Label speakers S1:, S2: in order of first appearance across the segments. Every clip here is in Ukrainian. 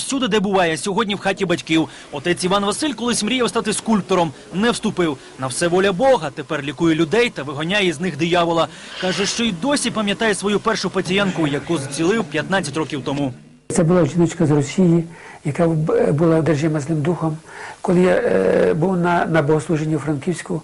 S1: всюди, де буває. Сьогодні в хаті батьків. Отець Іван Василь колись мріяв стати скульптором. Не вступив. На все воля Бога. Тепер лікує людей та виганяє із них диявола. Каже, що й досі пам'ятає свою першу пацієнтку, яку зцілив 15 років тому.
S2: Це була жіночка з Росії, яка була одержима злим духом. Коли я був на богослуженні у Франківську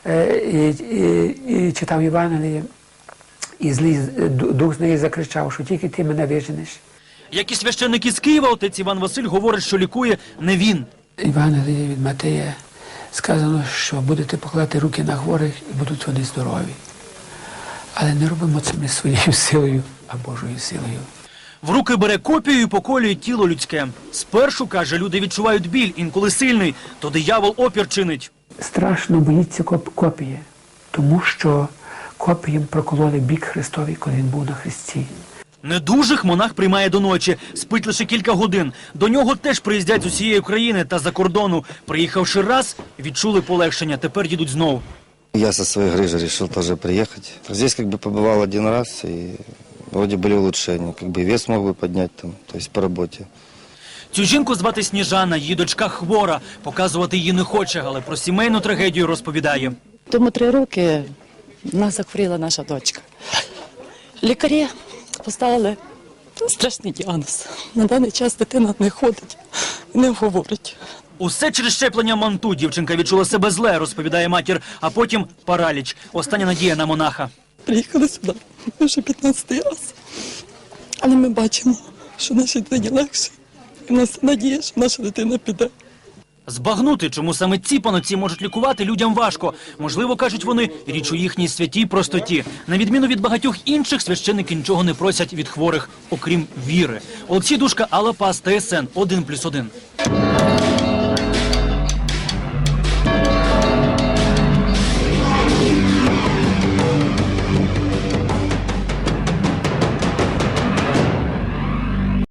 S2: і читав Євангеліє, і злий дух з неї закричав, що тільки ти мене виженеш.
S1: Як і священник із Києва, отець Іван Василь говорить, що лікує не він.
S2: Євангеліє від Матея сказано, що будете покладати руки на хворих і будуть вони здорові. Але не робимо це ми своєю силою, а Божою силою.
S1: В руки бере копію і поколює тіло людське. Спершу, каже, люди відчувають біль, інколи сильний, то диявол опір чинить.
S2: Страшно боїться копії, тому що копієм прокололи бік Христовий, коли він був на хресті.
S1: Недужих монах приймає до ночі, спить лише кілька годин. До нього теж приїздять з усієї України та за кордону. Приїхавши раз, відчули полегшення, тепер їдуть знов.
S3: Я со своей грыжи решил тоже приехать. Здесь побывал один раз, и вроде были улучшения. Вес мог бы поднять там, то есть по работе.
S1: Цю жінку звати Сніжана, її дочка хвора. Показувати її не хоче, але про сімейну трагедію розповідає.
S4: Тому 3 роки в нас захворіла наша дочка. Лікарі поставили страшний діагноз. На даний час дитина не ходить, не говорить.
S1: Усе через щеплення манту. Дівчинка відчула себе зле, розповідає матір, а потім параліч. Остання надія на монаха.
S4: Приїхали сюди вже 15-й раз. Але ми бачимо, що нашій дитині легше. І в нас надія, що наша дитина піде.
S1: Збагнути, чому саме ці панотці можуть лікувати, людям важко. Можливо, кажуть вони, річ у їхній святій простоті. На відміну від багатьох інших, священники нічого не просять від хворих, окрім віри. Олексій Душка, Алла Пас, ТСН 1+1.